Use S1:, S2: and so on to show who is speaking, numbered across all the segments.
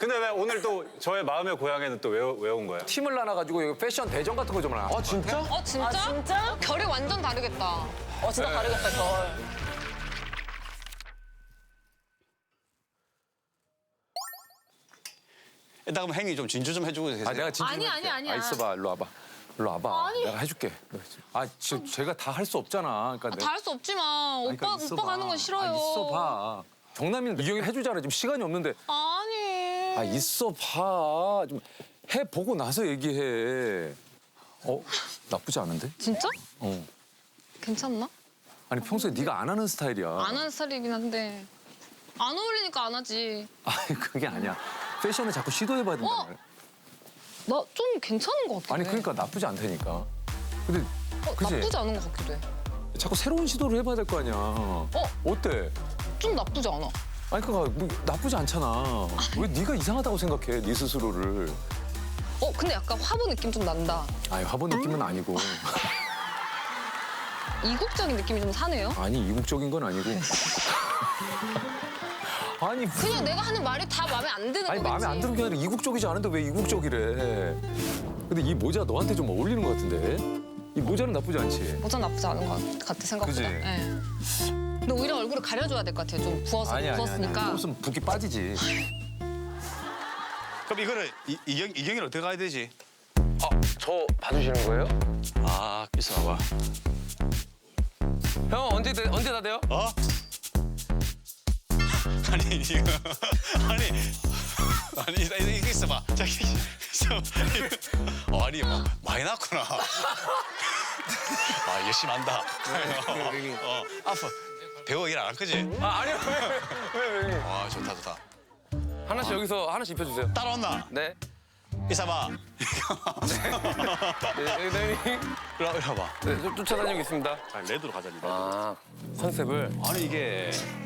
S1: 근데 왜 오늘 또 저의 마음의 고향에는 또 왜 온 거예요?
S2: 팀을 나눠가지고 이거 패션 대전 같은 거 좀 하나.
S3: 아 진짜?
S4: 진짜?
S5: 진짜?
S4: 결이 완전 다르겠다.
S5: 진짜 다르겠다, 결.
S3: 일단 그럼 행위 좀 진주 좀 해주고 계세요.
S2: 아 내가 진짜.
S4: 아니야.
S2: 있어봐, 일로 와봐. 일로 와봐.
S4: 아니.
S2: 내가 해줄게. 제가 다 할 수 없잖아. 그러니까
S4: 다 할 수 없지만
S2: 그러니까 있어봐.
S4: 오빠 가는 건 싫어요.
S2: 있어봐. 정남이는 이경이 해주잖아. 지금 시간이 없는데.
S4: 아니.
S2: 있어봐. 좀 해보고 나서 얘기해. 나쁘지 않은데?
S4: 진짜?
S2: 어.
S4: 괜찮나?
S2: 아니 평소에 네가 안 하는 스타일이야.
S4: 안 하는 스타일이긴 한데 안 어울리니까 안 하지.
S2: 아니 그게 아니야. 패션을 자꾸 시도해봐야 된다.
S4: 어? 나 좀 괜찮은 것 같아.
S2: 아니 그러니까 나쁘지 않다니까. 근데 그지?
S4: 나쁘지 않은 것 같기도 해.
S2: 자꾸 새로운 시도를 해봐야 될 거 아니야. 어때?
S4: 좀 나쁘지 않아.
S2: 아니 그니까 뭐 나쁘지 않잖아. 왜 네가 이상하다고 생각해? 네 스스로를.
S4: 근데 약간 화보 느낌 좀 난다.
S2: 아니 화보 느낌은 아니고.
S4: 이국적인 느낌이 좀 사네요.
S2: 아니 이국적인 건 아니고. 아니
S4: 그냥 내가 하는 말이 다 마음에 안 드는
S2: 아니
S4: 거겠지.
S2: 마음에 안 드는 게 아니라 이국적이지 않은데 왜 이국적이래? 근데 이 모자 너한테 좀 어울리는 것 같은데? 이 모자는 나쁘지 않지?
S4: 모자 나쁘지 않은 것 같아 생각보다.
S2: 그지?
S4: 네. 근데 오히려 얼굴을 가려줘야 될 것 같아요. 좀 부었으니까.
S2: 무슨 붓기 빠지지.
S3: 그럼 이거를 이경이를 어떻게 가야 되지?
S6: 저 봐주시는 거예요?
S3: 아 있어봐.
S6: 형 언제 다 돼요?
S3: 어? 아니 이거 아니 이거 있어봐. 저기 있어봐. 아니 많이 났구나. 열심히 한다. 아파. 배우 일 안 할 거지?
S6: 아니요. 왜?
S3: 와 좋다.
S6: 하나씩 여기서 하나씩 입혀주세요.
S3: 따라온나?
S6: 네.
S3: 있어봐.
S6: 네.
S3: 이리 와봐.
S6: 네, 쫓아다니고 있습니다.
S3: 레드로 가자. 레드.
S6: 컨셉을.
S3: 아니 이게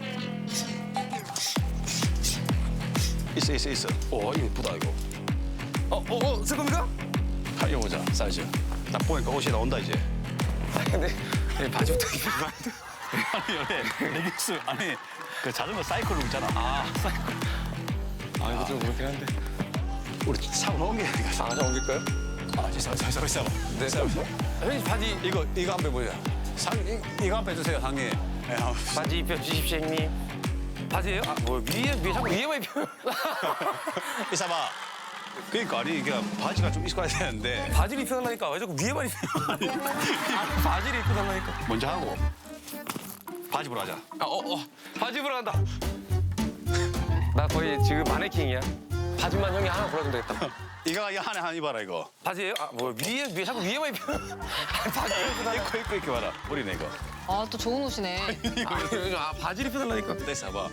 S3: 있어. 오 이거 예쁘다 이거.
S6: 쓸 겁니까?
S3: 다 입어보자 사이즈. 딱 보니까 옷이 나온다 이제.
S6: 근데 바지부터 입혀.
S3: 아니 원래 레깅스 아니 그 자전거 사이클로 있잖아. 사이클.
S6: 이거 좀 그렇긴 한데.
S3: 우리 사고 옮겨야 되니까.
S6: 저 옮길까요?
S3: 있어.
S6: 네. 형님 바지
S3: 이거 한번 보자. 이거 한번 해주세요 상님.
S6: 바지 입혀주십시오 형님. 바지예요? 위에 자꾸 위에만 입혀.
S3: 있어봐. 그러니까 아니 이게 바지가 좀 있어야 되는데.
S6: 바지를 입혀달라니까 왜 자꾸 위에만 입혀? 바지를 입혀달라니까.
S3: 먼저 하고 바지 보러 가자.
S6: 바지 입으러 간다. 나 거의 지금 마네킹이야. 바지만 형이 하나 골라주면 되겠다.
S3: 이거 하나 입어라 이거.
S6: 바지예요? 위에 자꾸 위에만 입혀. 바지를 입혀달라.
S3: 입고 이렇게 봐라. 머리네 이거.
S4: 또 좋은 옷이네.
S6: 바지를 입혀달라니까.
S3: 됐어 봐.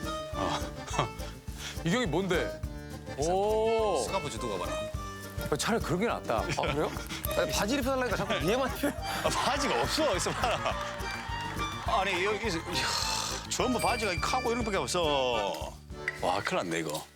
S2: 이경이 뭔데? 오.
S3: 스카프 두고 봐라.
S2: 차라리 그런 게 낫다.
S6: 그래요? 바지를 입혀달라니까 자꾸 위에만 입혀.
S3: 바지가 없어. 있어 봐라. 아니 여기 전부 바지가 카고 이런 밖에 없어. 와 큰일 났네 이거.